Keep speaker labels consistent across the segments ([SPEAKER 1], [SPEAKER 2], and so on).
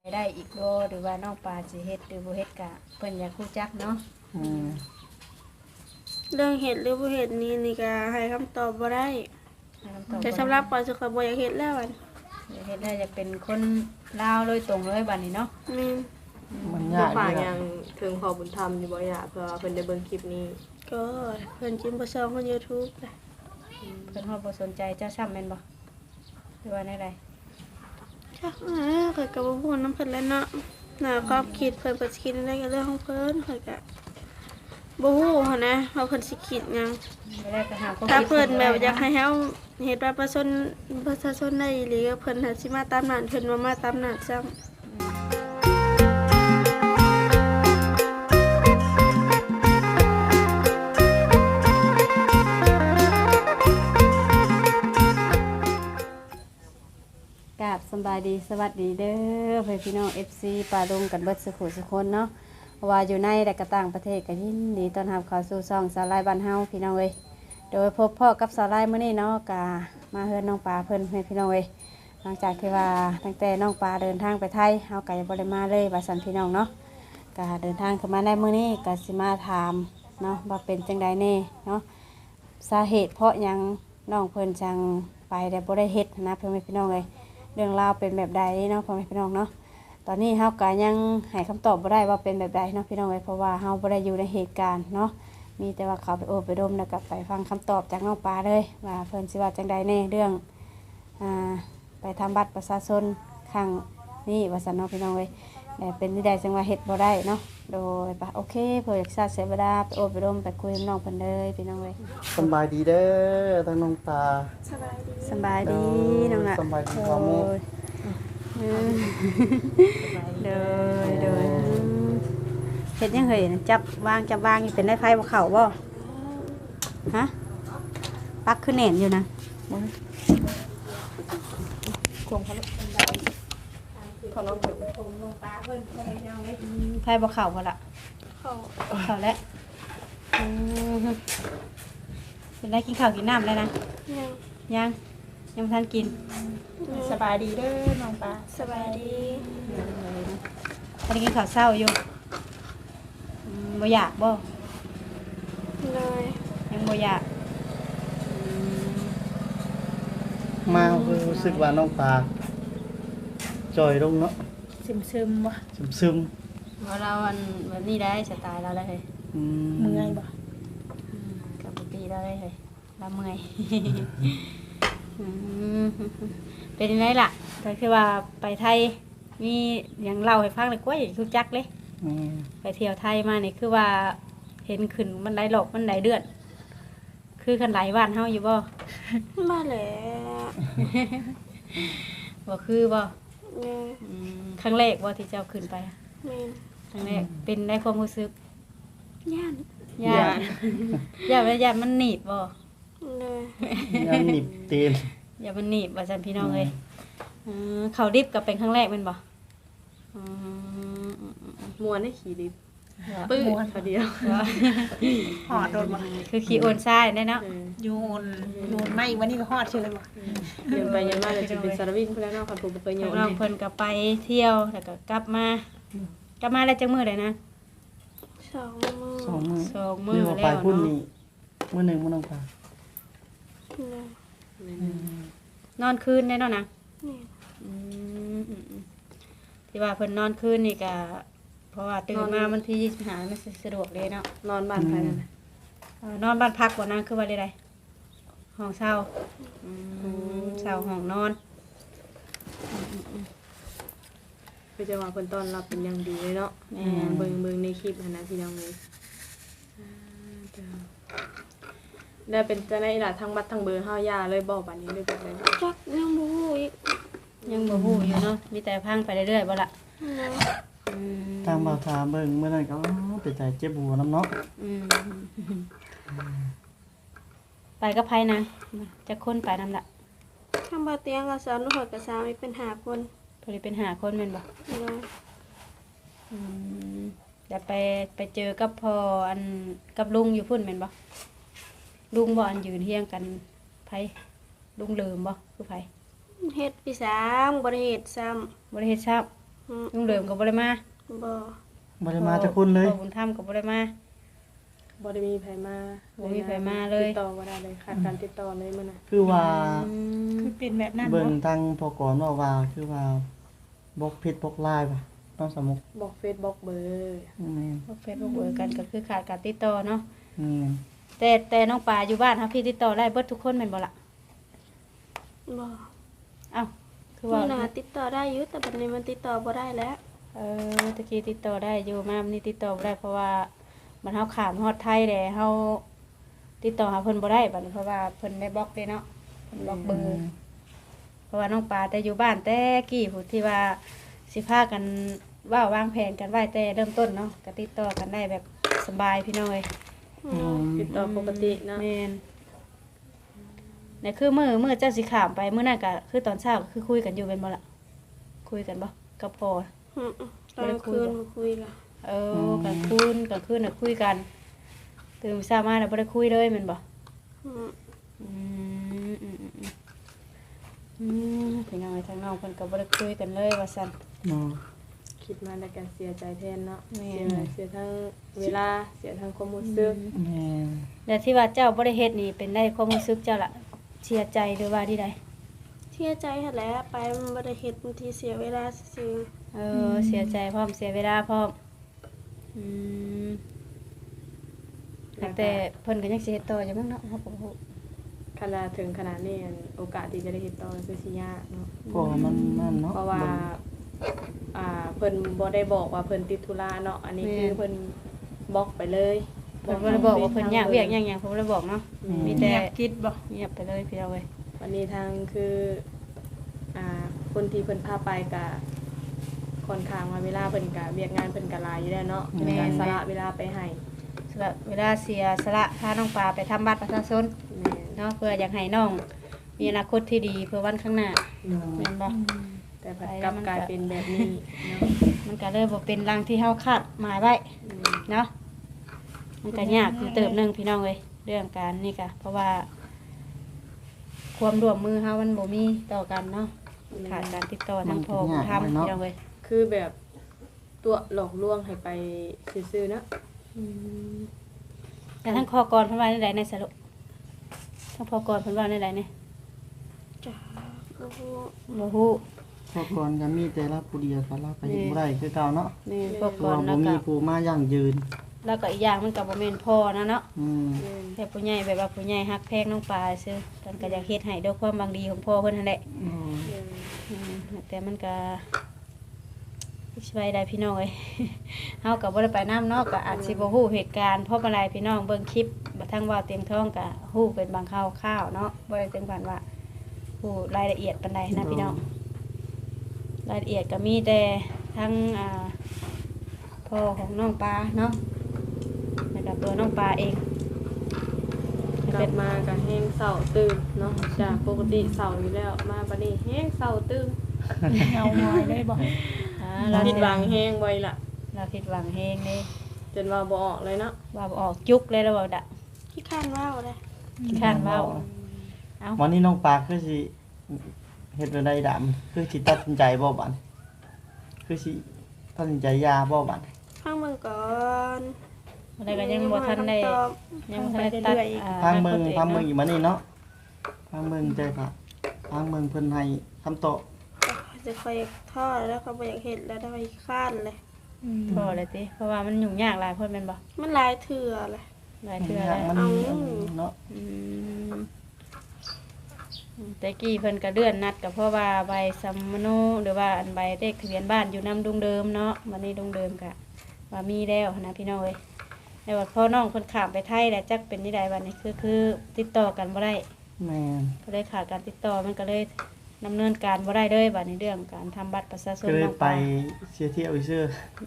[SPEAKER 1] ได้อีกบ่หรือว่าน้องปลาสิเฮ็ดหรือบ่เฮ็ดกะเพิ่นอยากรู้จักเนาะ
[SPEAKER 2] เรื่องเห็ดหรือบ่เห็ดนี่ก็ให้คำตอบบ่ได้
[SPEAKER 1] ให้คำตอบ
[SPEAKER 2] แต่สำหรับปอยสุขบ่อยากเห็ดแล้วอัน
[SPEAKER 1] อยากเฮ็ดได้จะเป็นคนลาวโดยตรงเลยบัดนี้เนาะ
[SPEAKER 2] แม่น
[SPEAKER 3] มัน
[SPEAKER 4] น้อย
[SPEAKER 3] าง ก
[SPEAKER 4] ป่า
[SPEAKER 3] เลย
[SPEAKER 4] ยังถึงพอบุญธรรมอยู่บ่อยากเพื่อเพิ่นได้เบิ่งคลิปนี้
[SPEAKER 2] ก็เพิ่นจิ้มบ่ซองคน YouTube แหละ
[SPEAKER 1] เพิ่นฮอดบ่สนใจเจ้าช้ำแม่นบ่หรือว่าแนวใด
[SPEAKER 2] จ้ะข้อยก็บ่ฮู้นำเพิ่นแล้วเนาะน่าความคิดเพิ่นสิคิดอะไรก็เรื่องของเพิ่นข้อยก็บ่ฮู้หันนะว่าเพิ่นสิคิดหยัง
[SPEAKER 1] ไม่ได้ก็หาความ
[SPEAKER 2] ถ้า
[SPEAKER 1] คิด
[SPEAKER 2] เพิ่นแบบอยากให้เฮาเฮ็ดบัตรประชาชนได้อีหลีก็เพิ่นน่ะสิมาตามนั้นเพิ่นบ่มาตามนั้นซ้ำ
[SPEAKER 1] กราบสำบายดีสวัสดีเด้อเพื่อนพี่น้อง FC ปลาดงกันเบิดสุขุสุคนเนาะว่าอยู่ในและก็ต่างประเทศก็ยินดีต้อนรับเข้าสู่ช่องสาวไลบ้านเฮาพี่น้องเอ้ยโดยพบพ่อกับสาวไลมื้อนี้เนาะก็มาเฮือนน้องปลาเพิ่นให้พี่น้องเอ้ยหลังจากที่ว่าตั้งแต่น้องปลาเดินทางไปไทยเฮาก็ยังบ่ได้มาเลยว่าซั่นพี่น้องเนาะก็เดินทางเข้ามาในมื้อนี้ก็สิมาถามเนาะว่าเป็นจังใดแน่เนาะสาเหตุเพราะหยังน้องเพิ่นจังไปแต่บ่ได้เฮ็ดนะเพิ่นให้พี่น้องเอ้ยเรื่องราวเป็นแบบใดเนาะพ่อแม่พี่น้องเนาะตอนนี้เฮาก็ยังให้คำตอบบ่ได้ว่าเป็นแบบใดเนาะพี่น้องเอ้ยเพราะว่าเฮาบ่ได้อยู่ในเหตุการณ์เนาะมีแต่ว่าเขาไปโอบไปดมแล้วก็ไปฟังคำตอบจากน้องปลาเลยว่าเพิ่นสิว่าจังใดแน่เรื่องไปทำบัตรประชาชนครั้งนี้ว่าซั่นเนาะพี่น้องเอ้ยแต่เป็นที่ใดจังว่าเฮ็ดบ่ได้เนาะโดยปะโอเคเพิ่นอยากทราบเสียเวลาไปโอบไปดมไปคุยกับน้องเพิ่นเลยพี่น้องเอ้ย
[SPEAKER 3] สบายดีเด้อทั้งน้องตา
[SPEAKER 2] สบายดี
[SPEAKER 1] สบายดีน้องน่ะ
[SPEAKER 3] สบายดีพ่อแม่
[SPEAKER 1] เดินเดินเห็ดยังเห็นจับวางอยู่เป็นได้ไฟบ่เข่าบ่ฮะปักขึ้นแหน่นอยู่นะไฟบ่เข่าบ่ละ
[SPEAKER 2] เข้า
[SPEAKER 1] เข่าแล้วเป็นได้กินข้าวกินน้ำแล้วนะ
[SPEAKER 2] ยัง
[SPEAKER 1] ยังบ่ทันกิน
[SPEAKER 4] สบายดีเด้อน้องปลา
[SPEAKER 2] สบายดี
[SPEAKER 1] ตอนนี้กินข้าวเช้าอยู่บ่อยากบ่
[SPEAKER 2] เลย
[SPEAKER 1] ยังบ่อยาก
[SPEAKER 3] มารู้สึกว่าน้องตาจอยลงเนาะ
[SPEAKER 4] ซึมๆบ่
[SPEAKER 3] ซึม
[SPEAKER 1] เพราะเราวันนี้ได้สไตล์เราได้เลย
[SPEAKER 3] ๆ
[SPEAKER 4] เมื่อยบ่
[SPEAKER 1] กับปกติเราได้เลยเราเมื่อยเป็นยังไงล่ะก็คือว่าไปไทยมีอย่างเล่าให้ฟังเลยกว่าอย่างทุกจักเลย
[SPEAKER 3] อืม
[SPEAKER 1] ไปเที่ยวไทยมาเนี่ยคือว่าเห็นขึ้นมันได้หลอกมันได้เดือดคือกันหลายวันเฮาอยู่บ่
[SPEAKER 2] มาแล้ว
[SPEAKER 1] บ่คือบ่
[SPEAKER 2] เนี่ย
[SPEAKER 1] ครั้งแรกบ่ที่เจ้าขึ้นไป
[SPEAKER 2] แม่น
[SPEAKER 1] ครั้งแรกเป็นได้ความรู้สึก
[SPEAKER 2] ย่าน
[SPEAKER 1] ยากยากมันหนีบบ่
[SPEAKER 2] เลย
[SPEAKER 3] ยังหนิบตีน
[SPEAKER 1] อย่ามันหนีบว่าซั่นพี่น้องเอ้ยเขาดิบก็เป็นครั้งแรกแม่นบ่อืม
[SPEAKER 4] มวนให้ขี่ดิบปื้ดพอเดียว
[SPEAKER 5] หอดโดนบ่
[SPEAKER 1] คือขี้โอนทรายได้เนาะ
[SPEAKER 5] ยูนไม่วันนี้ก็หอดเชื่อบ่
[SPEAKER 4] เดินไปยันมาเลยจะเป็นสารวินพุ่นแล้วเนาะคันผมบ่เคยโยน
[SPEAKER 1] น้องเพิ่นก็ไปเที่ยวแล้วก็กลับมาแล้วจังมื้อใดนะ
[SPEAKER 2] สองมือ
[SPEAKER 3] สองมื้อ
[SPEAKER 1] 2มื้อ
[SPEAKER 3] เรียกว่า
[SPEAKER 1] แล้
[SPEAKER 3] ไป
[SPEAKER 1] ว
[SPEAKER 3] พุ่น
[SPEAKER 1] เนาะ
[SPEAKER 3] นี่มื้อหนึงมื้อน้องตา
[SPEAKER 2] เลย
[SPEAKER 1] นอนคืนได้เนาะนะ
[SPEAKER 2] นี่
[SPEAKER 1] อืมที่ว่าเพิ่นนอนคืนนี่ก็เพราะว่าตื่นมาวันที่25มันสิสะดวกเลยเนาะ
[SPEAKER 4] นอนบ้านใครนั่นน่ะ
[SPEAKER 1] นอนบ้านพักบ่นะคือว่าได้ห้องเช่าเช่าห้องนอน
[SPEAKER 4] คือจะว่าเพิ่นต้อนรับเป็นอย่างดีเลยเนาะเบิ่งในคลิปนะพี่น้องเลยได้เป็นจังได๋ล่ะทั้งบัตรทั้งเบอร์เฮาย่าเลยบอกบัดนี้เลยแบบนั้น
[SPEAKER 2] จักยังบ่ฮู้อีก
[SPEAKER 1] ยังบ่ฮู้อยู่เนาะมีแต่พังไปเรื่อยๆบ่ล่ะ
[SPEAKER 2] เลย
[SPEAKER 3] ทางบ่าวถามเบิ่งมื้อนั้นก็ไปใจเจ็บหัวน้ำเนาะ
[SPEAKER 1] อืมไปกับไผนะจะคนไปนำล่ะ
[SPEAKER 2] ข้างบ่เตียงก็สอนลูกกับสามีเป็น5คน
[SPEAKER 1] พอดีเป็น5คนแม่นบ่
[SPEAKER 2] เลย
[SPEAKER 1] เดี๋ยวไปเจอกับพ่ออันกับลุงอยู่พุ่นแม่นบ่ลุงบ่อันยืนเฮียงกันไผลุงลืมบ่คือไผ
[SPEAKER 2] เฮ็ดปี3บ่ได้เฮ็ดซ้ำ
[SPEAKER 1] บ่ได้เฮ็ดทราบลุงเดิมก็บ่ได้มา
[SPEAKER 2] บ่
[SPEAKER 3] บ่ได้มาจักคนเลย
[SPEAKER 1] พ่อบุญธรรมก็บ่ได้มา
[SPEAKER 4] บ่ได้มีไผมา
[SPEAKER 1] บ่มีไผมาเลย
[SPEAKER 4] ติดต่อบ่ได้เลยขาดการติดต่อเลยมื้อน่ะ
[SPEAKER 3] คือว่า
[SPEAKER 5] คือเป็นแบบนั้น
[SPEAKER 3] เบิ่ง
[SPEAKER 5] เนาะ
[SPEAKER 3] ทางพอกรว่าคือว่าบล็อกเพจบล็อกไลน์ป่ะต้องสมุก
[SPEAKER 4] บอกเฟซบอกเบอร์
[SPEAKER 3] แม่น
[SPEAKER 1] พวกเฟซบุ๊กเอ่ยกันก็คือขาดการติดต่อเนาะ
[SPEAKER 3] แม่น
[SPEAKER 1] แต่น้องปลาอยู่บ้านครับพี่ติดต่อได้เบิดทุกคนแม่นบ่ล่ะ
[SPEAKER 2] บ่
[SPEAKER 1] เอ้าคือ
[SPEAKER 2] ว่า
[SPEAKER 1] ว่า
[SPEAKER 2] น่าติดต่อได้อยู่แต่บัดนี้มันติดต่อบ่ได้แล้ว
[SPEAKER 1] ตะกี้ติดต่อได้อยู่มามันนี่ติดต่อบ่ได้เพราะว่ามันเฮาข้ามฮอดไทยแหละเฮาติดต่อหาเพิ่นบ่ได้บัดนี้เพราะว่าเพิ่นได้บล็อกเด้เนาะเพิ่นบล็อกเบอร์เพราะว่าน้องปลาแต่อยู่บ้านแต่กี้ผู้ที่ว่าสิพากันว่าวางแผนกันไว้แต่เริ่มต้นเนาะก็ติดต่อกันได้แบบสบายพี่น้องเอ้ย
[SPEAKER 4] ติดต่อปกติเนาะ
[SPEAKER 1] แม่นเนี่ยคือมื้อเจ้าสิข้ามไปมื้อนั้นก็คือตอนเช้าก็คือคุยกันอยู่เป็นบ่ล่ะคุยกันบ่กับพ่อ
[SPEAKER 2] ตอนกลางคืนมาคุยกัน
[SPEAKER 1] กลางคืนน่ะคุยกันตื่นเช้ามาแล้วบ่ได้คุยเลยแม่นบ่
[SPEAKER 2] อืม
[SPEAKER 1] อืมพี่น้องไอ้ทางน้องเพิ่นก็บ่ได้คุยกันเลยว่าซั่น
[SPEAKER 3] เนาะ
[SPEAKER 4] คิดมาแล้วก็เสียใจแทนเนาะ
[SPEAKER 1] แม่
[SPEAKER 4] เสียทั้งเวลาเสียทั้งความรู้สึก
[SPEAKER 3] แม่น
[SPEAKER 1] แล้วที่ว่าเจ้าบ่ได้เฮ็ดนี่เป็นได้ความรู้สึกเจ้าล่ะเสียใจหรือว่าที่ใด
[SPEAKER 2] เสียใจหั่นแหละไปมันบ่ได้เฮ็ดบางทีเสียเวลาซื่อ
[SPEAKER 1] เสียใจพร้อมเสียเวลาพร้อมอืมแต่เพิ่นก็ยังสิเฮ็ดต่ออยู่มั้งเนาะเฮาก็บ่ฮู้
[SPEAKER 4] ขนาดถึงขนาดนี้อันโอกาสที่จะได้ติดต่อคือสิยากเนาะ
[SPEAKER 3] เพราะว่ามันนั่นเนาะ
[SPEAKER 4] เพราะว่าเพิ่นบ่ได้บอกว่าเพิ่นติดธุระเนาะอันนี้คือเพิ่นบล็อกไปเลย
[SPEAKER 1] เพิ่นบ่ได้บอกว่าเพิ่นยากเวียกหยังๆเพิ่นบ่ได้บอกเนาะมีแต่
[SPEAKER 5] เงียบคิดบ่
[SPEAKER 1] เงียบไปเลยพี่เอาเว้ย
[SPEAKER 4] วันนี้ทางคือคนที่เพิ่นพาไปก็ค่อนข้างว่าเวลาเพิ่นก็เวียกงานเพิ่นก็หลายอยู่แล้วเนาะในการสละเวลาไปให้
[SPEAKER 1] สละเวลาเสียสละพาน้องปลาไปทำบัตรประชาชน
[SPEAKER 4] แม่น
[SPEAKER 1] เนาะเพื่ออยากให้น้องมีอนาคตที่ดีเพื่อวันข้างหน้าแม่นบ่
[SPEAKER 4] แต่ผัดกลับกลายเป็นแบบนี้เนาะ
[SPEAKER 1] มันก็เลยบ่เป็นรังที่เฮาคาดหมายไว้เนาะมันก็ยากอยู่เติบหนึงพี่น้องเอ้ยเรื่องการนี่ก็เพราะว่า ความร่วมมือเฮามันบ่มีต่อกันเนาะขาดการติดต่อทางพ่อทำพี่น้องเอ้ย
[SPEAKER 4] คือแบบตัวหลอกลวงให้ไปซื่อๆเนาะ
[SPEAKER 1] แต่ทั้งคอกรเพิ่นว่าในใดในสรุปทั้งพอกรเพิ่นว่าในใดเนี่ย
[SPEAKER 2] จ้าก็ฮู้
[SPEAKER 1] บ่ฮู้
[SPEAKER 3] พอกรก็มีแต่ละผู้เดียวก็ละไปเฮ็ดบ่ได้คือเก่าเนาะ
[SPEAKER 1] นี่พวก
[SPEAKER 3] เพ
[SPEAKER 1] ก
[SPEAKER 3] ราะ
[SPEAKER 1] ร
[SPEAKER 3] ว่า
[SPEAKER 1] แล้
[SPEAKER 3] บ่
[SPEAKER 1] ว
[SPEAKER 3] มี
[SPEAKER 1] ก็
[SPEAKER 3] ผู้มายั่งยืน
[SPEAKER 1] แล้วก็อีกอย่างมันก็บ่แม่นพ่อนะเนาะ
[SPEAKER 3] อืม
[SPEAKER 1] แต่ผู้ใหญ่แบบว่าผู้ใหญ่ฮักแพงน้องปลาซื่อเพิ่นก็อยากเฮ็ดให้ด้วยความบางดีของพ่อเพิ่นนั่นแหละ แต่มันก็สิไปได้พี่น้องเอ้ย เฮาก็บ่ได้ไปนํเนาะก็อาจสิบ่ฮู้เหตุการณ์เพราะอะไรพี่น้องเบิ่งคลิปบ่ทั้งว่าเต็มท้องก็ฮู้เป็นบางคร่าวๆเนาะบ่ได้ถึงปานว่าฮู้รายละเอียดปานใดนะพี่น้องรายละเอียดก็มีแต่ทั้งพ่อของน้องปลาเนาะแล้วก็ตัวน้องปลาเอง
[SPEAKER 4] กลับมาก็แห้งเศร้าตื่นเนาะจากปกติเศร้าอยู่แล้วมาบัดนี้แห้งเศร้าตื่น
[SPEAKER 5] เงาหอยได้บ่
[SPEAKER 1] เรา
[SPEAKER 4] ผิดหวังแห้งไว้ล่ะ
[SPEAKER 1] เราผิดหวังแฮงเด้
[SPEAKER 4] จนว่าบ่ออกเลยเนาะ
[SPEAKER 1] ว่าบ่ออกจุกเลยแล้วบ่ดะ
[SPEAKER 2] ขี้ข้านว่าวเลย
[SPEAKER 1] ข้านเว้าเอ้า
[SPEAKER 3] วันนี้น้องปลาคือสิเฮ็ดบ่ได้ดำคือสิตัดสินใจบ่บัดคือสิตัดสินใจยาบ่บัด
[SPEAKER 2] ฟังเบิ่งก่อน
[SPEAKER 1] อะไรก็ยังบ่ทันได้
[SPEAKER 2] คำตอบ
[SPEAKER 1] ยังบ่ทันได้ตัด
[SPEAKER 3] ทางเมืองอีกมานี่เนาะทางเมืองใจค่ะทางเมืองเพิ่นให้คำตอบ
[SPEAKER 2] จะคอยทอดแล้วก็บ่อยากเห็ดแล้วได้ไปข้านเลย
[SPEAKER 1] พอเลยติเพราะว่ามันยุ่งยากหลายคนแม่นบ่
[SPEAKER 2] มันหลายเถื่อเลย
[SPEAKER 1] หลายเทื่อแล้ว
[SPEAKER 3] มันเนาะ
[SPEAKER 1] อืมแต่กี้เพิ่นก็เลื่อนนัดก็เพราะว่าใบสัมมโนหรือว่าอันใบเลขทะเบียนบ้านอยู่นำดุงเดิมเนาะวันนี้ดุงเดิมก็ว่ามีแล้วนะพี่น้องเอ้ยแต่ว่าพ่อน้องเพิ่นข้ามไปไทยแล้วจักเป็นนี่ใดบัดนี้คือติดต่อกันบ่ได้
[SPEAKER 3] แม่น
[SPEAKER 1] ก็เลยขาดการติดต่อมันก็เลยดำเนินการบ่ได้เลยบัดในเรื่องการทำบัตรประชาชน
[SPEAKER 3] ก็เลย
[SPEAKER 1] น้อง
[SPEAKER 3] ไป
[SPEAKER 1] ปลา
[SPEAKER 3] เสียเที่ยวซื่อ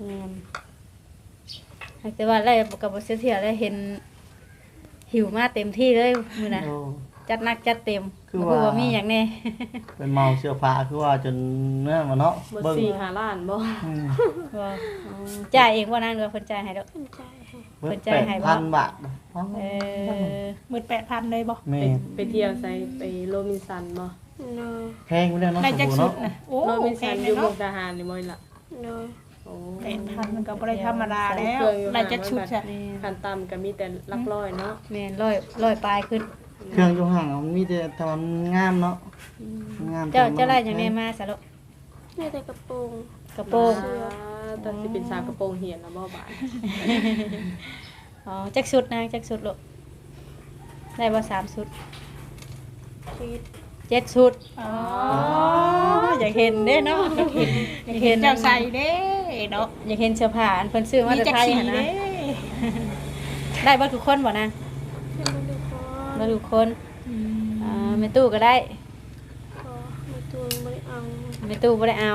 [SPEAKER 1] แต่ว่าไล่กับบเสียเที่ยวได้เห็นหิวมาเต็มที่เลยมื้อนะ
[SPEAKER 3] โอ้
[SPEAKER 1] จัดหนักจัดเต็ม
[SPEAKER 3] คือ
[SPEAKER 1] บ่
[SPEAKER 3] ว่า
[SPEAKER 1] รู้ว่ามีหยังแน่
[SPEAKER 3] เป็นเมาเสื้อผ้าคือว่าจนเนื้อมาเนาะ
[SPEAKER 4] บ่
[SPEAKER 3] เบิ่ง
[SPEAKER 4] 4-5ล้านบ่
[SPEAKER 3] อืม
[SPEAKER 1] ว่าจ่ายเองว่านั้นว่าเพิ่นจ่ายให้ดอก
[SPEAKER 2] ขึ้นใจให้
[SPEAKER 3] เบิ่
[SPEAKER 1] เพิ่
[SPEAKER 3] ง
[SPEAKER 1] นจ่ายให้บ่
[SPEAKER 3] 8,000 บาท
[SPEAKER 1] เออ
[SPEAKER 5] 18,000เลยบ่
[SPEAKER 3] แม่
[SPEAKER 4] ไปเที่ยวใส่ไปโรบินสันบ่
[SPEAKER 2] เนาะ
[SPEAKER 3] แพงไปแล้วเนาะ
[SPEAKER 5] ได้จัก
[SPEAKER 3] ส
[SPEAKER 5] สุ
[SPEAKER 3] บู่
[SPEAKER 5] ด
[SPEAKER 3] เนาะ
[SPEAKER 5] นะโอ้
[SPEAKER 4] โรบิน
[SPEAKER 5] แพ
[SPEAKER 4] สัน
[SPEAKER 5] ง
[SPEAKER 4] อ
[SPEAKER 5] เล
[SPEAKER 4] ยู่
[SPEAKER 5] ย
[SPEAKER 4] มุ
[SPEAKER 5] เนาะ
[SPEAKER 4] กดาหารนี่บ่ล่ะ
[SPEAKER 2] โดย
[SPEAKER 4] โอ้
[SPEAKER 5] 8,000มันก็บ่ได้ธรรมดาแล้วได้จักชุดจ้ะ
[SPEAKER 4] คันต่ำก็มีแต่หลักร้อยเนาะ
[SPEAKER 1] แม่นร้อยปลายขึ้น
[SPEAKER 3] เครื่องอยู่ห่างมันมีแต่ทำมันงามเนาะงาม
[SPEAKER 1] เจ้าไล่อย่างนี้มาสะลูก
[SPEAKER 2] ได้แต่กระโปรง
[SPEAKER 1] กระโปรง
[SPEAKER 4] ตอนสิเป็นสาวกระโปรงเหียนแล้วบ่บาด
[SPEAKER 1] อ๋อจักชุดนางจักชุดลูกได้บ่3ชุด
[SPEAKER 2] คิด
[SPEAKER 1] 7ชุดอ๋ออยากเห็นเด้เนาะอยากเห็น
[SPEAKER 5] เจ้าใส่เด้เนาะ
[SPEAKER 1] อยากเห็นเสื้อผ้าอันเพิ่นซื้อมา
[SPEAKER 5] มี
[SPEAKER 1] แต่
[SPEAKER 5] จัก
[SPEAKER 1] ไทย
[SPEAKER 5] สี
[SPEAKER 1] หั่นนะ
[SPEAKER 5] เด้
[SPEAKER 1] ได้บ่ทุกคนบ่นาง
[SPEAKER 2] ยังไม่ได้พอ
[SPEAKER 1] บ่ทุกคนแม่ตู้ก็ได้
[SPEAKER 2] พอไม่ตัวไม่ได้เอา
[SPEAKER 1] แม่ตู้บ่ได้เอา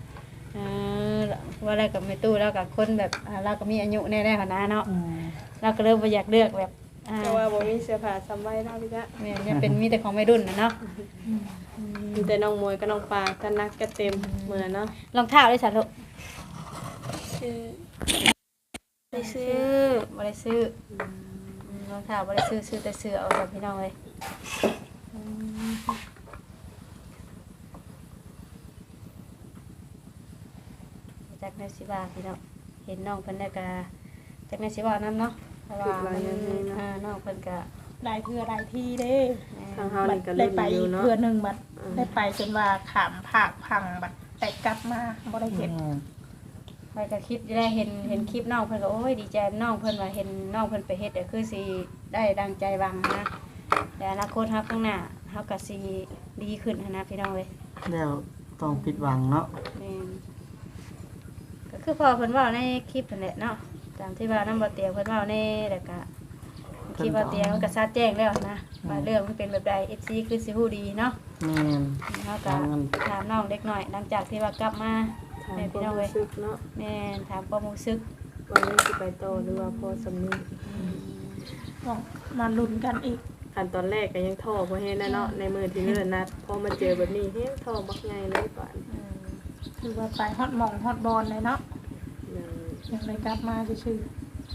[SPEAKER 1] ว่าอะไรกับแม่ตู้แล้วกับคนแบบเราก็มีอายุแน่ๆหั่นนะเนาะเราก็เริ่มบ่อยากเลือกแบบ
[SPEAKER 4] แต่ว่าบ่มีเสื้อผ้าซ้ำไว้เนาะพี่จ๊ะ
[SPEAKER 1] แม่นยังเป็นมีแต่ของวัยรุ่นน่ะเนาะ
[SPEAKER 4] มีแต่น้องมวยกับน้องปลากันนักก็เต็มเหมือนเนาะ
[SPEAKER 1] รองเท้าได้สัตว์ลูก
[SPEAKER 2] ซื้อไปซื้อ
[SPEAKER 1] บ่ได้ซื้อรองเท้าบ่ได้ซื้อแต่เสื้อเอาแบบพี่น้องเลยจากในสิบาพี่น้องเห็นน้องเพิ่นได้ก็จากในสิบานํเนาะเพราะว่ามันน้องเพิ่นก็
[SPEAKER 5] ได้เพื่อได้ที่เด้
[SPEAKER 4] ทางเฮา
[SPEAKER 5] บัด
[SPEAKER 4] นี่ก็
[SPEAKER 5] ได้
[SPEAKER 4] ลุ้น
[SPEAKER 5] ไป
[SPEAKER 4] อยู่เนาะ
[SPEAKER 5] เพื่อหนึงบัดได้ไปจนว่าขามภาคพังบัดแต่กลับมาบ่ได้เห็น
[SPEAKER 1] คอยก็คิดได้เห็นคลิปน้องเพิ่นก็โอ้ยดีใจน้องเพิ่นว่าเห็นน้องเพิ่นไปเฮ็ดคือสิได้ดังใจหวังนะแต่อนาคตเฮาข้างหน้าเฮาก็สิดีขึ้นหั้นนะพี่น้องเว้ย
[SPEAKER 3] แล้วต้องผิดหวังเนาะ
[SPEAKER 1] แม่นก็คือพอเพิ่นเว้าในคลิปนั่นแหละเนาะตามที่ว่าน้ำบ่เตียงเพิ่นเว้าในแล้วก็คลิปบ่เตียงมันก็ชัดแจ้งแล้วนะว่าเรื่องมันเป็นแบบใด FC คือสิฮู้ดีเนาะ
[SPEAKER 3] แม่น
[SPEAKER 1] เฮาก็ถามน้องเด็กน้อยหลังจากที่ว่ากลับมา
[SPEAKER 4] ถาม
[SPEAKER 1] แม่
[SPEAKER 4] ค
[SPEAKER 1] พี่
[SPEAKER 4] วาม
[SPEAKER 1] น้องเว้ย
[SPEAKER 4] รู้สึกเนาะ
[SPEAKER 1] แม่นถามความรู้สึก
[SPEAKER 4] วันนี้สิไปต่อหรือว่าพอสำนึก
[SPEAKER 5] ต้องมาลุ้นกันอีก
[SPEAKER 4] คันตอนแรกก็ยังท้อบ่เฮ็ดนะเนาะในมือที่เนิ่นนัดพอมาเจอแบบนี้เฮ็ดท้อบักใหญ่เลยป่าน
[SPEAKER 5] คือว่าไปฮอดหม่องฮอดบอลเลยเนาะ
[SPEAKER 4] อืม
[SPEAKER 5] ยังได้กลับมาซื่อ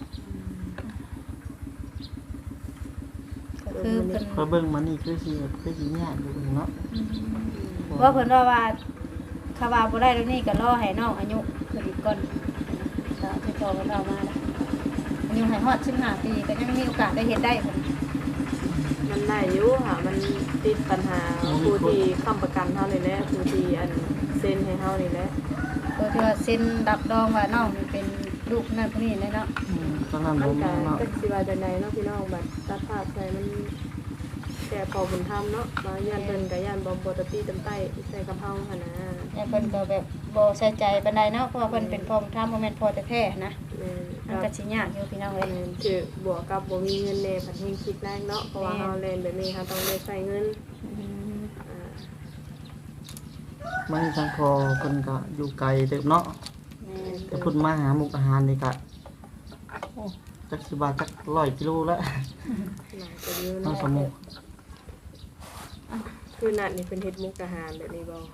[SPEAKER 1] ก็คือเพิ่น
[SPEAKER 3] เพราะเบิ่งมันนี่คือสิแบบคือสิยากอยู่เนาะ
[SPEAKER 1] ว่าเพิ่นว่าคาว่าบ่ได้ตรงนี้ก็รอให้น้องอายุขึ้นอีกก่อนก็ที่พอเพิ่นเอามานะอายุให้ฮอด15ปีก็ยังมีโอกาสได้เฮ็ดได้เพิ่น
[SPEAKER 4] มันได้อยู่ค่ะมันติดปัญหาผู้ที่ค้ำประกันเฮานี่แหละผู้ที่อันเซ็นให้เฮานี่แหละ
[SPEAKER 1] ตัวที่ว่าเซ็นรับรองว่าน้องนี่เป็นลูกนั่นผู้นี้เลยเนาะ
[SPEAKER 3] ตอนนั้น
[SPEAKER 4] มั
[SPEAKER 3] บ่
[SPEAKER 4] น
[SPEAKER 3] มี
[SPEAKER 4] ก็
[SPEAKER 3] เนาะ
[SPEAKER 4] จักสิว่าจังไดเนาะพี่น้องบัดตัดภาพใส่มันแก่พอบุญธรรมเนาะมาย่านเพิ่นก็ย่านบ่ตะตี้ตำใต้ใส่กับเฮาหั่นนะ
[SPEAKER 1] แล้วเพิ่นก็แบบบ่ใส่ใจปานใดเนาะเพราะว่าเพิ่นเป็นพ่อบุญธรรมบ่แม่นพ่อแท้ๆนะ
[SPEAKER 4] แม่น
[SPEAKER 1] มันก็สิยากอยู่พี่น้องเอ้ย
[SPEAKER 4] คือบวกกับบ่มีเงินแน่ผัดเฮงคิดแรกเนาะเพราะว่าเฮาเล่นแบบนี้เฮาต้องได้ใช้เงินอ่า
[SPEAKER 3] มันทางคอเพิ่นก็อยู่ไกลเติบเนาะ
[SPEAKER 1] แม่น
[SPEAKER 3] แต่พุ่นมาหาหมุกอาหารนี่ก็โอ้จักสิบาทจัก100กิโลแล้ว
[SPEAKER 4] หลายตัวเยอะ
[SPEAKER 3] น้อง
[SPEAKER 4] เนาะ
[SPEAKER 3] สมุก
[SPEAKER 4] คือนัดนี่เป็นเฮ็ดมุกอาหารแบบนี้บ่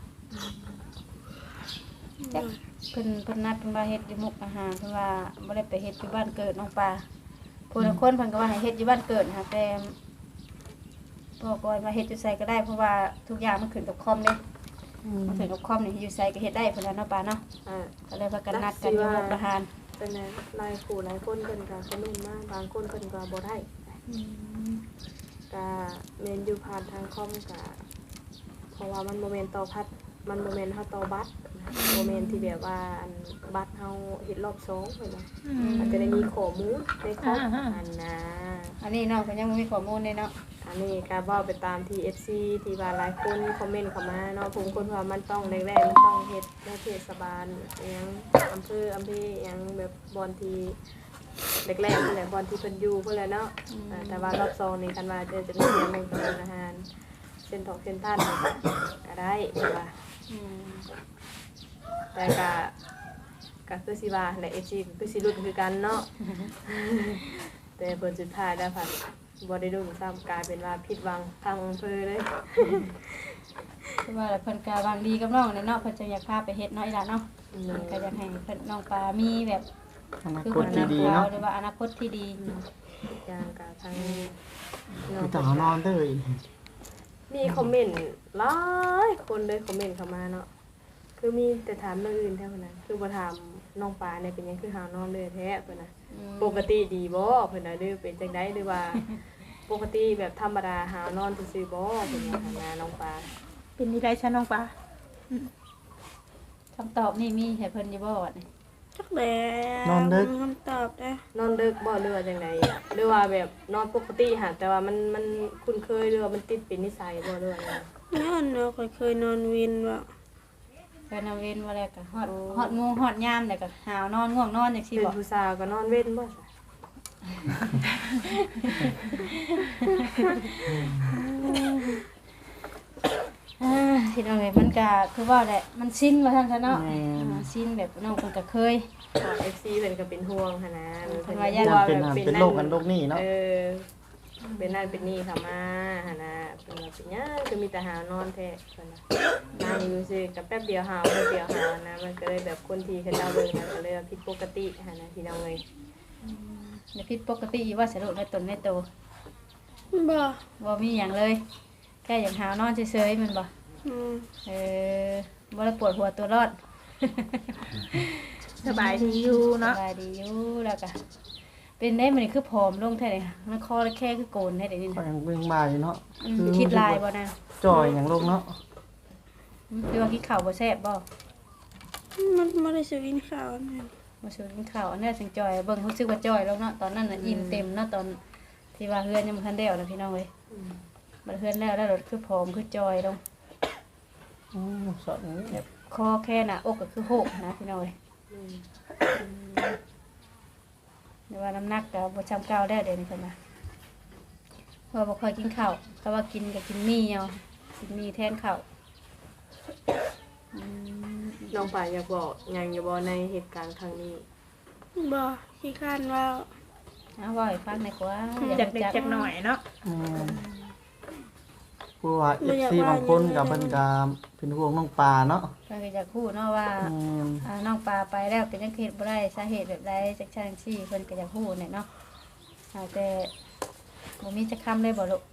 [SPEAKER 1] จักเพิ่นนัดเพิ่นว่าเฮ็ดอยู่มุกอาหารเพิ่นว่าบ่ได้ไปเฮ็ดอยู่บ้านเกิดน้องปลาผู้ละคนเพิ่นก็ว่าให้เฮ็ดอยู่บ้านเกิดค่ะแต่พ่อก็ว่าเฮ็ดอยู่ไสก็ได้เพราะว่าทุกอย่างมันขึ้นกับคอมเด้มันขึ้นกับคอมนี่อยู่ไสก็เฮ็ดได้เพิ่นว่าเนาะปลาเนาะ
[SPEAKER 4] อ่า
[SPEAKER 1] ก็เลยพากันนัดกันอยู่มุกอาหาร
[SPEAKER 4] เป็นไงหลายคู่หลายคนเพิ่นก็สนุกมากบางคนเพิ่นก็บ่ได้ก็แม่นอยู่ผ่านทางคอมก็เพราะว่ามันบ่แม่นต่อพัดมันบ่แม่นเฮาต่อบัตรบ่แม่นที่แบบว่าอันบัตรเฮาเฮ็ดรอบ2เพิ่นว่ามันจะได้มีข้อมูลในครบอันน่ะ
[SPEAKER 1] อันนี้เนาะเพิ่นยังบ่มีข้อมูลเลยเนาะ
[SPEAKER 4] อันนี้ก็เว้าไปตามที่ FC ที่ว่าหลายคนคอมเมนต์เข้ามาเนาะผมคนว่ามันต้องแรกๆมันต้องเฮ็ดในเทศบาลอิหยังอำเภออิหยังแบบบอนที่แรกๆนั่นแหละบอนที่เพิ่นอยู่เพิ่นแหละเนาะแต่ว่ารอบ2นี่คันว่าจะมีเรื่องในการอาหารเส้นทองเส้นท่านก็ได้ว่าแต่ก็คือสิว่าใน FC ก็คือสิรุ่นคือกันเนาะ แต่ผลสุดท้ายแล้วค่ะบ่ได้รุ่นซ้ำกลายเป็นว่าผิดหวังทางอำเภอเลย
[SPEAKER 1] คือว่าแล้วเพิ่นก็หวังดีกับน้องเลยเนาะเพิ่นจะอยากพาไปเฮ็ดเนาะอีหล่ะเนาะเพิ่นก็อยากให้เพิ่นน้องปลามีแบบ
[SPEAKER 3] อนา
[SPEAKER 1] คือ
[SPEAKER 3] ค
[SPEAKER 1] ค
[SPEAKER 3] ต
[SPEAKER 1] น
[SPEAKER 3] ที่
[SPEAKER 1] นัก
[SPEAKER 3] ดี
[SPEAKER 1] ข่าว
[SPEAKER 3] เนาะ
[SPEAKER 1] หรือว่าอนาคตที่ดี
[SPEAKER 4] อย่างกับทาง
[SPEAKER 3] คือต่อนอนเด้อ
[SPEAKER 4] มีคอมเมนต์หลายคนเลยคอมเมนต์เข้ามาเนาะคือมีแต่ถามเรื่องอื่นแท้เพิ่นน่ะคือบ่ถามน้องปลาเนี่ยเป็นหยังคือหาวนอนเลยแท้เพิ่นน่ะปกติดีบ่เพิ่นน่ะหรือเป็นจังได๋หรือว่า ปกติแบบธรรมดาหาวนอนซื่อๆบ่เพิ่นว่าหาหน้าน้องปลา
[SPEAKER 5] เป็นที่ได้ชั้นน้องปลา
[SPEAKER 1] คำตอบนี่มีให้เพิ่นอยู่บ่นี่
[SPEAKER 2] จักแล้ว
[SPEAKER 3] นอนดึก
[SPEAKER 2] มีคำตอบได้
[SPEAKER 4] นอนดึกบ่หรือว่าจังไดอะหรือว่าแบบนอนปกติหาแต่ว่ามันคุ้นเคยหรือว่ามันติดเป็นนิสัยบ่หรือว่าจังได
[SPEAKER 2] ย้อนเนาะข้อยเคยนอนวินว่า
[SPEAKER 1] เพิ่นเอาเว้นว่าแล้วก็ฮอดโมงฮอดยามแล้วก็หาวนอนง่วงนอนจังซี่
[SPEAKER 4] เป็น
[SPEAKER 1] บ่
[SPEAKER 4] ผู้สาวก็นอนเว้นบ่ซะ
[SPEAKER 1] พี่น้องเอ้ยมันก็คือว่าแหละมันชินว่าซั่นซะเนาะชินแบบน้องเพิ่นก็เคย
[SPEAKER 4] FC เพิ่นก็เป็นห่วงหั่นนะ
[SPEAKER 1] เพิ่นว่าย่าน
[SPEAKER 4] กลัว
[SPEAKER 3] เป็น
[SPEAKER 4] แบบ
[SPEAKER 3] เป็นโรคกันโรคนี้เนาะ
[SPEAKER 4] เป็นนั่นเป็นนี่ค่ะมาหั่นน่ะเพิ่นว่าเป็นหยังคือมีแต่หาวนอนแท้เพิ่นน่ะนั่งอยู่ซื่อกับแป๊บเดียวหาวแป๊บเดียวหาวนะมันก็เลยแบบคนที่เขาเจ้าเบิ่งนะก็เลยว่าผิดปกติหั่นน่ะพี่น้องเอ้ย
[SPEAKER 1] อย่าผิดปกติว่าสรุปในตนในโต
[SPEAKER 2] บ่
[SPEAKER 1] บ่มีหยังเลยแค่อย่างหาวนอนเฉยๆแมันบ่
[SPEAKER 2] อืม
[SPEAKER 1] บ่ได้ปวดหัวตัวร้อน
[SPEAKER 5] สบายดีอยู่
[SPEAKER 1] ส
[SPEAKER 5] เนาะ
[SPEAKER 1] บายดีอยู่แล้วก็เป็นได้มันนี่คือผอมลงแท้เลยค่ะมันคอแค่คือโกนแท้เดี๋ยวนี้
[SPEAKER 3] ก็
[SPEAKER 1] นะ
[SPEAKER 3] ยังเบิ่งมาอยู่เนาะ
[SPEAKER 1] คิดลายบ่นะ
[SPEAKER 3] จ่อยอย่างโรคเนาะ
[SPEAKER 1] หรือว่ากินข้าวบ่แซ่บบ่
[SPEAKER 2] มันบ่ได้สิวินข้าวนั่น
[SPEAKER 1] บ่ชวนกินข้าวอันนี้จังจอยเบิ่งรู้สึกว่าจอยลงเนาะตอนนั้นน่ะอิ่มเต็มเนาะตอนที่ว่าเฮือนยังบ่ทันแล้วนะพี่น้องเอ้ยบัดเฮือนแล้วรถคือผอมคือจอยลง
[SPEAKER 3] สอน
[SPEAKER 1] แบบคอแค่หน้าอกก็คือโหกนะพี่น้องเอ้ยแต่ว่าน้ำหนักก็บ่จำเก่าแล้วเดี๋ยวนี้เพิ่นน่ะเพราะบ่ค่อยกินข้าวถ้าว่ากินก็กินหมี่เอากินหมี่แทนข้าว
[SPEAKER 4] น้องป่าอยากบอกหยังอยู่บ่ในเหตุการณ์ครั้งนี้
[SPEAKER 2] บ่ขี้คร้านว่า
[SPEAKER 1] เอาว่าให้ฟังหน่อยกว่า
[SPEAKER 5] จากเด็กจากหน่อยเนาะ
[SPEAKER 3] ผู้ว่า FC บางคนก็เพิ่นก็เป็นห่วงน้องปลาเนาะ
[SPEAKER 1] เพิ่นก็อยากพูดเนาะว่าน้องปลาไปแล้วเป็นจังเฮ็ดบ่ได้สาเหตุแบบใดจักซั่นซี่เพิ่นก็อยากพูดเนี่ยเนาะแต่บ่มีจักคำเลยบ่ลูก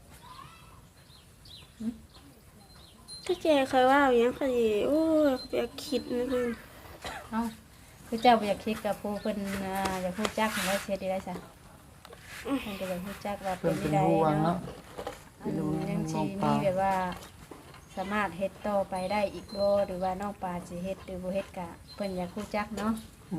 [SPEAKER 2] ถ้าแกเคยว่าอย่างคดีโอ้ยเขาไปคิดนะคือ
[SPEAKER 1] เอ้าคือเจ้าบ่อยากคิดกับผู้เพิ่นอยากพูดจักให้ว่าเสียดีได้ซะเพิ่นก็อยากพูดจักว่า
[SPEAKER 3] เพิ่
[SPEAKER 1] เป็น น
[SPEAKER 3] เป็น
[SPEAKER 1] ได้
[SPEAKER 3] ห่วง
[SPEAKER 1] เนาะ
[SPEAKER 3] เนาะเป็นห่วง
[SPEAKER 1] ยัง
[SPEAKER 3] น้
[SPEAKER 1] สิ
[SPEAKER 3] องป
[SPEAKER 1] มี
[SPEAKER 3] ลา
[SPEAKER 1] แบบว่าสามารถเฮ็ดต่อไปได้อีกบ่หรือว่าน้องปลาสิเฮ็ดหรือบ่เฮ็ดก็เพิ่นอยากพูดจักเนาะ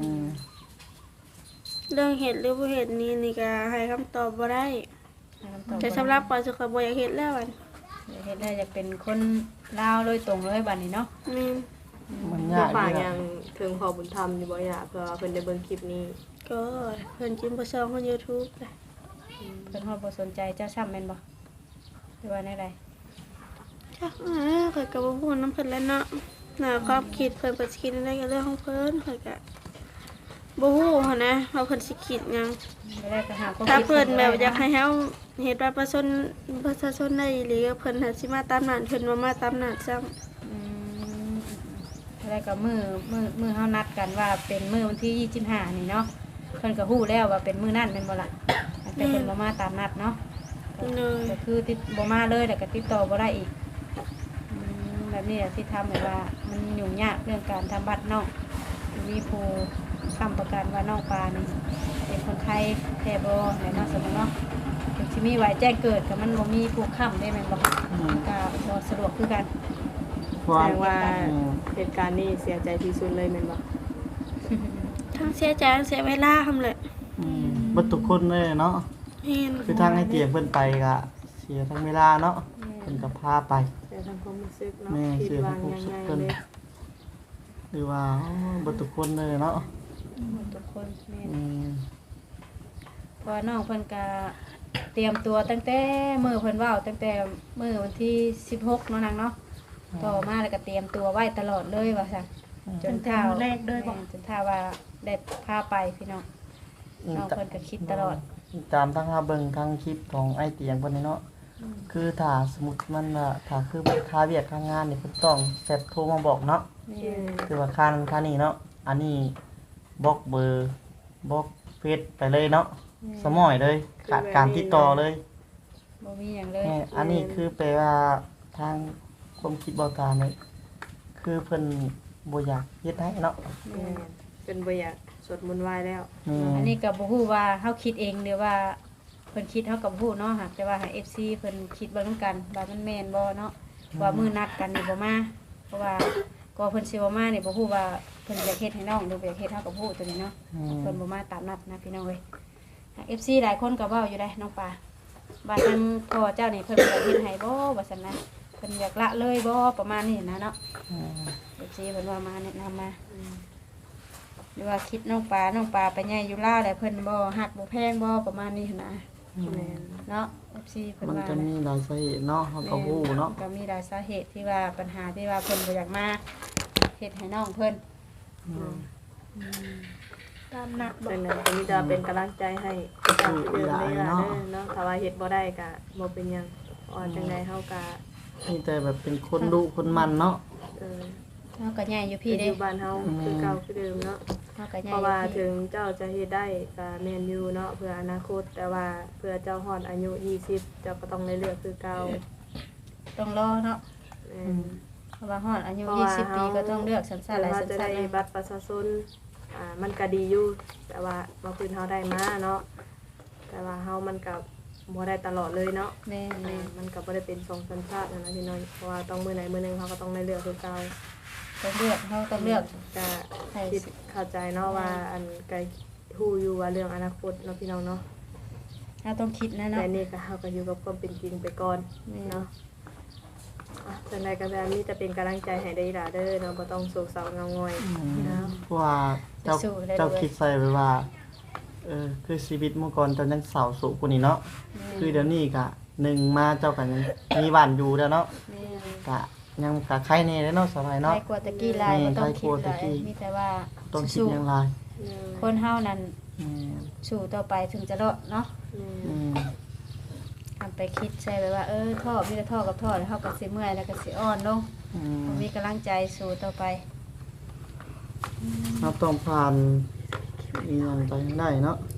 [SPEAKER 2] เรื่องเหตุหรือบ่เหตุนี้นี่ก็ให้คำตอบบ่ได้
[SPEAKER 1] ให้คำตอบ
[SPEAKER 2] แต่สำหรับปอยสุขบ่อยากเฮ็ดแล้วอัน
[SPEAKER 1] อยากเฮ็ดได้อยากเป็นคนลาวโดยตรงเลยบัดนี้เนาะ
[SPEAKER 2] แม่น
[SPEAKER 3] มัน
[SPEAKER 4] น้อย
[SPEAKER 3] าง ก
[SPEAKER 4] ป่า
[SPEAKER 3] นี่
[SPEAKER 4] ยั
[SPEAKER 3] นะ
[SPEAKER 4] งถึงพอบุญธรรมอยู่บ่อยากเพื่อว่าเพิ่นได้เบิ่งคลิปนี้
[SPEAKER 2] ก็เพิ่นจิ้มบ่ซองของ YouTube เลย
[SPEAKER 1] เพิ่นฮอดบ่สนใจเจ้าซ้ำแม่นบ่หรือว่าแนวใด
[SPEAKER 2] จักข้อยก็บ่ฮู้นำเพิ่นแล้วเนาะน่าความคิดเพิ่นเพิ่นสิคิดอะไรก็เรื่องของเพิ่นข้อยก็บ่ฮู้หันนะว่าเพิ่นสิคิดหยัง
[SPEAKER 1] ไม่ได้ก็หาความ
[SPEAKER 2] ถ้า
[SPEAKER 1] คิด
[SPEAKER 2] เพิ่นแบบอยาก
[SPEAKER 1] ให้
[SPEAKER 2] ให้เฮาเฮ็ดบัตรประชาชนได้อีหรือเพิ่นหาสิมาตามนั้นเพิ่นบ่มาตามนั้นซ้ำ
[SPEAKER 1] แล้วก็มื้อเฮานัดกันว่าเป็นมื้อวันที่25นี่เนาะเพิ่นก็ฮู้แล้วว่าเป็นมื้อนั้นแม่นบ่ล่ะแต่เพิ่นบ่มาตามนัดเนาะ
[SPEAKER 2] เลย
[SPEAKER 1] ก็คือติดบ่มาเลยแล้วก็ติดต่อบ่ได้อีกแบบนี้แหละที่ทำแบบว่ามันยุ่งยากเรื่องการทำบัตรเนาะมีผู้ค้ำประกันว่าน้องปลานี่เป็นคนไทยแท้บ่ไหนเนาะสมมุติเนาะถึงสิมีไว้แจ้งเกิดก็มันบ่มีผู้ค้ำได้แม่นบ่ก็บ่สะดวกคือกัน
[SPEAKER 3] ควา
[SPEAKER 4] แส
[SPEAKER 3] ม
[SPEAKER 4] ดงว่าเหตุการณ์นี้เสียใจที่สุดเลยแม่นบ่
[SPEAKER 2] ทั้งเสียใจทั้งเสียเวลาทำเลย
[SPEAKER 3] บ่ทุกคนเลยเนาะ
[SPEAKER 2] เห็น
[SPEAKER 3] คือทางให้เตียงเพิ่นไปก็เสียทั้งเวลาเนาะเพิ่นก็พาไป
[SPEAKER 4] แต่ทางความรู้สึกเนาะ
[SPEAKER 3] แม่
[SPEAKER 4] คิด
[SPEAKER 3] เสีย
[SPEAKER 4] ว่า
[SPEAKER 3] ทางความ
[SPEAKER 4] ยัง
[SPEAKER 3] รู้สึ
[SPEAKER 4] ไง
[SPEAKER 3] กเพิ่น
[SPEAKER 4] เลย
[SPEAKER 3] หรือว่าบ่ทุกคนเลยเนาะ
[SPEAKER 1] ทุกคนแม่น
[SPEAKER 3] อืม
[SPEAKER 1] เพราะว่าน้องเพิ่นก็เตรียมตัวตั้งแต่มื้อเพิ่นเว้าตั้งแต่มื้อวันที่16เนาะนางเนาะต่อมาแล้วก็เตรียมตัวไว้ตลอดเลยว่าซั่นจนเท่า
[SPEAKER 5] แรกด้วยบ่
[SPEAKER 1] แม่นจนเท่าว่าได้พาไปพี่น้องน้องเพิ่นก็คิดตลอด
[SPEAKER 3] ตามทางหาเบิ่งทางคลิปของไอ้เตียงเพิ่นนี่เนาะคือถ้าสมมุติมันว่าถ้าคือมันค่าเวียกค่างานนี่เพิ่นต้องแชทโทรมาบอกเนาะ
[SPEAKER 1] แม่
[SPEAKER 3] คือว่าค่านั้นค่านี้เนาะอันนี้บล็อกเบอร์บล็อกเฟซไปเลยเนาะสมอยเลยขาดการติดต่อเลย
[SPEAKER 1] บ่มีหยังเลย
[SPEAKER 3] อันนี้คือแปลว่าทางความคิดเบาตาเนี่ยคือเพิ่นบ่อยากเฮ็ดให้เนาะ
[SPEAKER 4] แม่นเป็นบ่อยากสวดมนต์ไหว้แล้ว
[SPEAKER 1] อันนี้ก็บ่ฮู้ว่าเฮาคิดเองหรือว่าเพิ่นคิดเฮาก็บ่ฮู้เนาะหากแต่ว่าให้ FC เพิ่นคิดเบิ่งนำกันว่ามันแม่นบ่เนาะว่ามื้อนัดกันนี่บ่มาเพราะว่าก็เพิ่นสิบ่มานี่บ่ฮู้ว่าเพิ่นอยากเฮ็ดให้น้องหรือบ่อยากเฮ็ดเฮาก็บ่ฮู้ตัวนี้เนาะเพิ่นบ่มาตามนัดนะพี่น้องเอ้ย FC หลายคนก็เว้าอยู่ได้น้องปลาว่าทางพ่อเจ้านี่เพิ่นอยากเฮ็ดให้บ่ว่าซั่นนะเพิ่นอยากละเลยบ่ประมาณนี้นะเนาะ FC เพิ่นว่ามาแนะนำมาหรือว่าคิดน้องปลาไปใหญ่อยู่ลาวแล้วเพิ่นบ่ฮักบ่แพงบ่ประมาณนี้หั่นนะ
[SPEAKER 4] แม่น
[SPEAKER 1] เนาะ FC เพิ่น
[SPEAKER 3] มัน
[SPEAKER 1] ว่า
[SPEAKER 3] จะมีหลายสาเหตุเนาะเฮาก็ฮู้เนาะ
[SPEAKER 1] ก็มีหลายสาเหตุที่ว่าปัญหาที่ว่าเพิ่นบ่อยากมาเฮ็ดให้น้องเพิ่น
[SPEAKER 2] ตามหนักบ่
[SPEAKER 4] ดังนั้นก็มีแต่เป็นกำลังใจให้ตามที่เดิมเลยล่ะเนาะถ้าว่าเฮ็ดบ่ได้ก็บ่เป็นหยังจังได๋เฮาก็
[SPEAKER 3] มีแต่แบบเป็นคนดุคนมันเนาะ
[SPEAKER 4] เออ
[SPEAKER 1] เฮาก็ใหญ่อยู่
[SPEAKER 4] พี่
[SPEAKER 1] พี่เด้
[SPEAKER 4] อยู่บ้านเฮาคือเก่าคือเดิมเนาะ
[SPEAKER 1] เฮาก็ใหญ่
[SPEAKER 4] เพราะ
[SPEAKER 1] อยู่
[SPEAKER 4] ว่า
[SPEAKER 1] พี่
[SPEAKER 4] ถึงเจ้าจะเฮ็ดได้ก็แม่นอยู่เนาะเพื่ออนาคตแต่ว่าเพื่อเจ้าฮอดอายุ20เจ้าก็ต้องได้เลือกคือเก่า
[SPEAKER 1] ต้องรอเนาะ
[SPEAKER 4] แม่น
[SPEAKER 1] เพราะว่าฮอดอายุ
[SPEAKER 4] เพราะว่า
[SPEAKER 1] 20 ปีก็ต้องเลือกสัญชาติหลาย
[SPEAKER 4] ว่า
[SPEAKER 1] สัญ
[SPEAKER 4] จะ
[SPEAKER 1] ชา
[SPEAKER 4] ได้
[SPEAKER 1] ติเลย
[SPEAKER 4] บัตรประชาชนมันก็ดีอยู่แต่ว่ามาพื้นเฮาได้มาเนาะแต่ว่าเฮามันก็บ่ได้ตลอดเลยเนาะ
[SPEAKER 1] แม่น
[SPEAKER 4] มันก็บ่ได้เป็น2สัญชาตินะพี่น้อยเพราะว่าต้องมื้อไหนมื้อหนึงเฮาก็ต้องได้เลือกคือเก่า
[SPEAKER 1] ๆต้องเลือกเฮาต้องเลือก
[SPEAKER 4] ก็
[SPEAKER 1] ให้
[SPEAKER 4] คิดเข้าใจเนาะว่าอันก็ฮู้อยู่ว่าเรื่องอนาคตเนาะพี่น้องเนาะ
[SPEAKER 1] เฮาต้องคิดนะเนาะ
[SPEAKER 4] แต่นี่ก็เฮาก็อยู่กับความเป็นจริงไปก่อน
[SPEAKER 1] แม่น
[SPEAKER 4] เนาะจังไดก็แบบนี้จะเป็นกำลังใจให้ได้ล่ะเด้อเนาะบ่ต้องโศกเศร้าเงาง่อยเนาะ
[SPEAKER 3] เพราะว่าเจ้าคิดใส่ไว้ว่าคือชีวิตเมื่อก่อนเจ้ายังเศร้าโศกกว่านี้เนาะคือเดี๋ยวนี้ก็หนึ่งมาเจ้าก็ยังมีบ้านอยู่แล้วเนาะ
[SPEAKER 1] แม่น
[SPEAKER 3] ก็ยังก็ใครแน่แล้วเนาะสบายเนาะ
[SPEAKER 1] ใครกลัวตะกี้หลายบ่ต้องคิดหลายมีแต่ว่า
[SPEAKER 3] ต้องคิด
[SPEAKER 1] สู้
[SPEAKER 3] อยังไร
[SPEAKER 1] คนเฮานั้น
[SPEAKER 3] อืม
[SPEAKER 1] สู้ต่อไปถึงจะรอดเนาะ
[SPEAKER 3] อืม
[SPEAKER 1] ทำไปคิดใช่ไปว่าท่อมีแต่ท่อกับท่อแล้วเฮาก็สิเมื่อยแล้วก็สิอ่อนลง
[SPEAKER 3] อืม
[SPEAKER 1] มีกำลังใจสู้ต่อไป
[SPEAKER 3] เราต้องผ่านอีหยังไปให้ได้เนาะ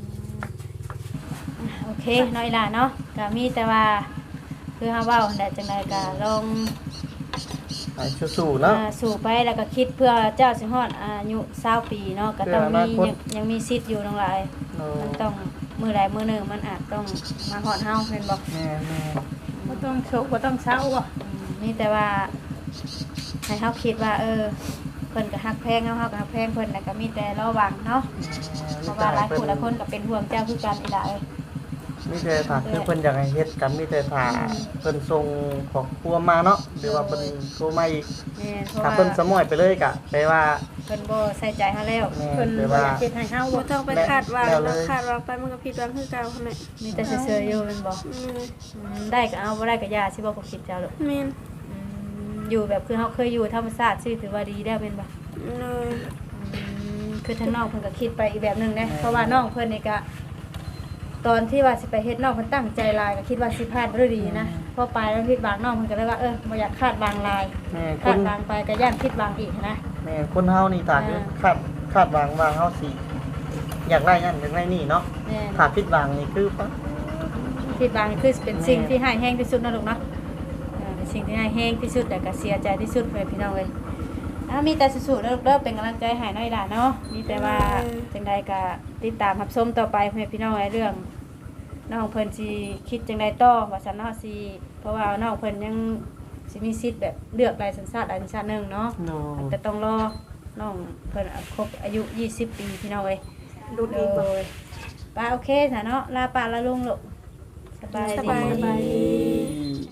[SPEAKER 1] โอเคน้อยล่ะเนาะก็มีแต่ว่าคือเฮาเว้าได้จังไดก็ลอง
[SPEAKER 3] ไปสู้ๆเนาะ
[SPEAKER 1] สู่ไปแล้วก็คิดเพื่อเจ้าสิฮอดอายุ20ปีเนาะก็ต้อง
[SPEAKER 3] เพื่ออ
[SPEAKER 1] มี
[SPEAKER 3] นาคต
[SPEAKER 1] ยังมีสิทธิ์อยู่ทั้งหลาย
[SPEAKER 3] เนาะ
[SPEAKER 1] มันต้องมื้อใดมื้อหนึงมันอาจต้องมาฮอดเฮาแม่นบ่
[SPEAKER 3] แม่แม่
[SPEAKER 5] บ่ต้องโศกบ่ต้องเศร้าบ่
[SPEAKER 1] มีแต่ว่าให้เฮาคิดว่าเพิ่นก็ฮักแพงเฮาก็ฮักแพงเพิ่นแล้วก็มีแต่ระวังเนาะเพราะว่าหลายผู้หลายคนก็เป็นห่วงเจ้าคือกันอีหล่ะเอ้ย
[SPEAKER 3] มีแต่ถ้าคือเพิ่นอยากให้เฮ็ดกันมีแต่ถ้าเพิ่นส่งขอบครัวมาเนาะหรือว่าเพิ่นโทรมาอีก
[SPEAKER 1] แม่นเพราะ
[SPEAKER 3] ถ้า
[SPEAKER 1] ว่า
[SPEAKER 3] เพิ่นสมอยไปเลยก็แปลว่า
[SPEAKER 1] เพิ่นบ่ใส่ใจเฮาแล้ว
[SPEAKER 3] แม่
[SPEAKER 5] เพิ่น
[SPEAKER 3] แปล
[SPEAKER 5] บ่
[SPEAKER 3] ว่า
[SPEAKER 5] อยากเฮ็ดให้เฮา
[SPEAKER 2] บ่
[SPEAKER 5] บ่
[SPEAKER 2] ต้องไปคาดหวัง
[SPEAKER 3] แล้วเล
[SPEAKER 2] เนาะ
[SPEAKER 3] ย
[SPEAKER 2] คาดหวังไปมันก็ผิดหวังคือเก่าหั่นแหละ
[SPEAKER 1] มีแต่เฉยๆอยู่แม่นบ่ได้ก็เอาบ่ได้ก็อย่าสิบ่ก็คิดเจ้าลูก
[SPEAKER 2] แม่น
[SPEAKER 1] อยู่แบบคือเฮาเคยอยู่ธรรมชาติสิถือว่าดีแล้วแม่นบ่
[SPEAKER 2] เลย
[SPEAKER 1] คือทางน้องเพิ่นก็คิดไปอีกแบบหนึงนะเพราะว่าน้องเพิ่นนี่ก็ตอนที่ว่าสิไปเฮ็ดน้องเพิ่นตั้งใจหลายก็คิดว่าสิพลาดด้วยดีนะพอไปแล้วผิดหวังน้องเพิ่นก็เลยว่าบ่อยากคาดหวังหลาย
[SPEAKER 3] แม่ค
[SPEAKER 1] คาน ดหวังไปก็ย่านผิดหวังอีกนะ
[SPEAKER 3] แม่คนเฮานี่ถ้าคือคาดหวังว่าเฮาสิอยากได้นั่นอยากได้นี่เนาะ
[SPEAKER 1] แม่น
[SPEAKER 3] ถ้าผิดหวังนี่คือปะ
[SPEAKER 1] ผิดหวังนี่คือเป็นสิ่งที่ให้แห้งที่สุดนะลูกเนาะเป็นสิ่งที่ให้แห้งที่สุดแต่ก็เสียใจที่สุดเลยพี่น้องเอ้ยมีแต่สู้ๆเด้อเป็นกำลังใจให้น้อยล่ะเนาะมีแต่ว่าจังใดก็ติดตามรับชมต่อไปเพื่อพี่น้องเรื่องน้องเพิ่นสิคิดจังใดต่อว่าซั่นเนาะสิเพราะว่าน้องเพิ่นยังสิมีสิทธิ์แบบเลือกหลายสัญชาติหลายสัญชาติหนึงเนาะ
[SPEAKER 3] โน
[SPEAKER 1] แต่ต้องรอน้องเพิ่นครบอายุ20 ปีพี่น้องเอ้ย
[SPEAKER 4] ดูดีบ่
[SPEAKER 1] ป้าโอเคจ้ะเนาะลาป้าลาลุงลูกสบาย
[SPEAKER 2] สบาย
[SPEAKER 1] ดี
[SPEAKER 2] ดี